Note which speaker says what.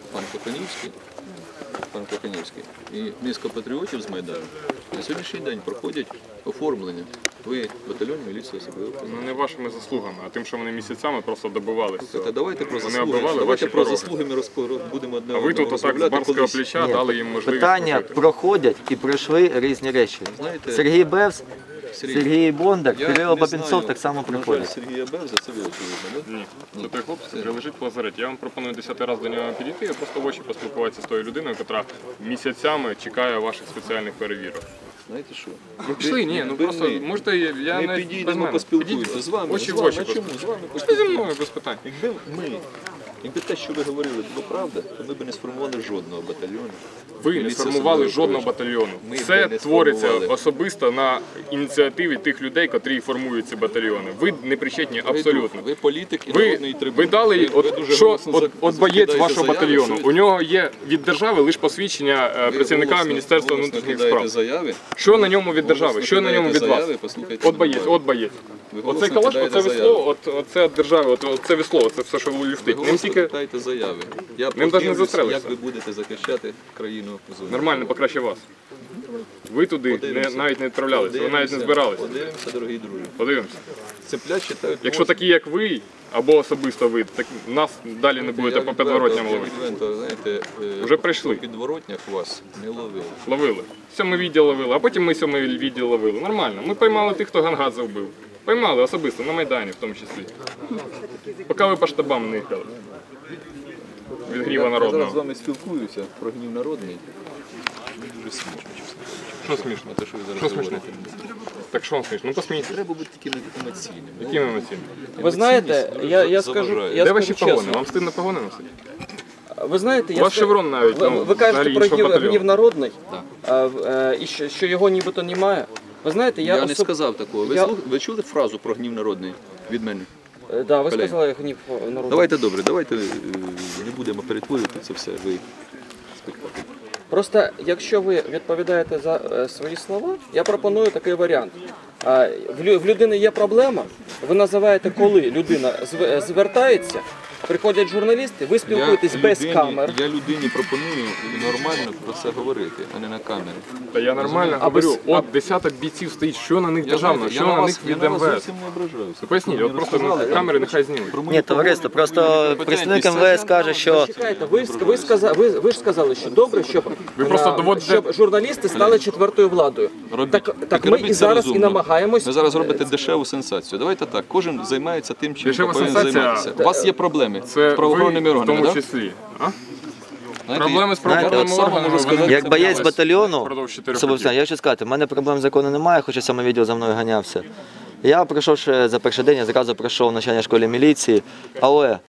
Speaker 1: пан Коханівський і низка патріотів з Майдану на сьогоднішній день проходять оформлення. Ви батальйон міліції особливо.
Speaker 2: Ну не вашими заслугами, а тим, що вони місяцями просто добивалися.
Speaker 1: Давайте про
Speaker 2: Вони
Speaker 1: заслуги.
Speaker 2: оббивали
Speaker 1: Давайте
Speaker 2: ваші
Speaker 1: про
Speaker 2: пороги.
Speaker 1: заслуги ми будемо одне
Speaker 2: А ви тут отак з барського плеча дали їм можливість
Speaker 3: Питання
Speaker 2: прожити.
Speaker 3: проходять і пройшли різні речі.
Speaker 1: Знаєте,
Speaker 3: Сергій Бевс, Сергій Бондар,
Speaker 1: Я
Speaker 3: Кирило
Speaker 1: не
Speaker 3: Бабінцов
Speaker 1: знаю,
Speaker 3: так само
Speaker 1: на жаль,
Speaker 3: приходять.
Speaker 1: Сергія Бевза, це ви очевидно, да?
Speaker 2: Ні, це той хлопець вже лежить в лазареті. Я вам пропоную 10-й раз до нього підійти і просто в очі поспілкуватися з тою людиною, яка місяцями чекає ваших спеціальних перевірок.
Speaker 1: Знаєте що?
Speaker 2: Пішли, ні, ну просто можете, я
Speaker 1: Ми
Speaker 2: навіть без
Speaker 1: підійдемо,
Speaker 2: мене.
Speaker 1: поспілкуємося з вами.
Speaker 2: Очі
Speaker 1: з
Speaker 2: в
Speaker 1: вами.
Speaker 2: очі.
Speaker 1: А чому? З вами
Speaker 2: Пішли зі мною без питань.
Speaker 1: Якби те, що ви говорили, було правда, то ми б не сформували жодного батальйону.
Speaker 2: Ви не
Speaker 1: Міліція
Speaker 2: сформували
Speaker 1: особливо
Speaker 2: жодного
Speaker 1: пройшла.
Speaker 2: батальйону.
Speaker 1: Ми б
Speaker 2: Це
Speaker 1: не
Speaker 2: твориться
Speaker 1: сформували.
Speaker 2: особисто на ініціативі тих людей, котрі формують ці батальйони. Ви не причетні абсолютно.
Speaker 1: Ви політик і народний трибун.
Speaker 2: Ви дали,
Speaker 1: дуже
Speaker 2: що
Speaker 1: голосно
Speaker 2: от боєць
Speaker 1: закидаєте
Speaker 2: вашого
Speaker 1: заяви,
Speaker 2: батальйону,
Speaker 1: що
Speaker 2: у нього є від держави лише посвідчення
Speaker 1: ви
Speaker 2: працівника
Speaker 1: голосно-
Speaker 2: Міністерства
Speaker 1: голосно
Speaker 2: внутрішніх
Speaker 1: кидаєте
Speaker 2: справ.
Speaker 1: заяви.
Speaker 2: Що на ньому від держави, що на ньому від вас?
Speaker 1: Заяви, послухайте,
Speaker 2: От боєць,
Speaker 1: нормально.
Speaker 2: от боєць.
Speaker 1: Ви
Speaker 2: Оцей
Speaker 1: голосно
Speaker 2: калаш,
Speaker 1: кидаєте
Speaker 2: оце
Speaker 1: заяви.
Speaker 2: весло, оце від держави, оце весло, це все, що
Speaker 1: Ви
Speaker 2: люфтить. Ним
Speaker 1: голосно
Speaker 2: тільки
Speaker 1: кидаєте заяви. Я
Speaker 2: навіть не
Speaker 1: подивлюсь,
Speaker 2: застрелишся.
Speaker 1: як ви будете захищати країну в зоні.
Speaker 2: нормально покраще вас. Ви туди навіть не відправлялися, ви навіть не збиралися.
Speaker 1: Подивимося, дорогі друзі.
Speaker 2: Подивимося.
Speaker 1: Цеплять читають.
Speaker 2: Якщо такі, як ви, або особисто ви, так нас далі не будете по підворотням ловити.
Speaker 1: Знаєте,
Speaker 2: Вже прийшли.
Speaker 1: по підворотнях вас не ловили.
Speaker 2: Ловили. Сьомий відділ ловили, а потім ми сьомий відділ ловили. Нормально. Ми поймали тих, хто Гангадзе вбив. Поймали особисто, на Майдані в тому числі. Поки ви по штабам не їхали. Від гніва
Speaker 1: Я зараз з
Speaker 2: народного.
Speaker 1: вами спілкуюся про гнів народний. Мені дуже смішно, чесно.
Speaker 2: Що смішно?
Speaker 1: Те, що ви зараз
Speaker 2: Що смішно?
Speaker 1: говорите.
Speaker 2: Так що вам смішно? Ну посмійтесь.
Speaker 1: Треба бути таким емоційним.
Speaker 2: Які ми емоційні?
Speaker 4: Ви знаєте, я скажу,
Speaker 2: Де ваші
Speaker 4: чесно.
Speaker 2: погони? Вам стидно погони носити?
Speaker 4: Ви знаєте,
Speaker 2: У вас шеврон навіть,
Speaker 4: ви,
Speaker 2: ну,
Speaker 4: ви кажете
Speaker 2: взагалі
Speaker 4: про
Speaker 2: іншого батальйону.
Speaker 4: гнів народний, і що його нібито немає. Ви знаєте,
Speaker 1: Я не сказав такого. Ви чули фразу про гнів народний від мене?
Speaker 4: Да, ви
Speaker 1: Колеги.
Speaker 4: сказали гнів народний.
Speaker 1: Давайте добре, давайте не будемо перетворювати це все. Ви спектакль.
Speaker 4: Просто якщо ви відповідаєте за свої слова, я пропоную такий варіант. В людини є проблема, ви називаєте, коли людина звертається, приходять журналісти, ви спілкуєтесь без камер.
Speaker 1: Я людині пропоную нормально про це говорити, а не на камері.
Speaker 2: Та я нормально говорю, от десяток бійців стоїть, що на них державно, що на них від МВС.
Speaker 1: зовсім не ображаюся.
Speaker 2: Поясніть, от просто на камери нехай знімуть.
Speaker 3: Ні, товариство, просто представник МВС каже, що
Speaker 4: Чекайте, ви ж сказали, що добре,
Speaker 2: Ви просто доводите-
Speaker 4: щоб журналісти стали четвертою владою. Так ми
Speaker 1: робіть
Speaker 4: і
Speaker 1: це
Speaker 4: зараз
Speaker 1: розумно.
Speaker 4: і намагаємось.
Speaker 1: Ви зараз робите дешеву сенсацію. Давайте так, кожен займається тим, чим
Speaker 2: Дешева
Speaker 1: повинен
Speaker 2: сенсація-
Speaker 1: займатися. У вас є проблеми
Speaker 2: Це
Speaker 1: з правоохоронними
Speaker 2: ви в
Speaker 1: органами,
Speaker 2: тому
Speaker 1: так?
Speaker 2: числі. А?
Speaker 1: Знаєте,
Speaker 2: Проблеми з
Speaker 1: я
Speaker 2: правоохоронними
Speaker 1: так само
Speaker 2: органами,
Speaker 1: можу
Speaker 2: вони
Speaker 1: сказати,
Speaker 3: як боєць батальйону,
Speaker 2: Впродовж 4
Speaker 3: особисто, я хочу сказати, в мене проблем з закону немає, хоча саме відео за мною ганявся. Я пройшов ще за перший день, я зразу пройшов в навчання в школі міліції, але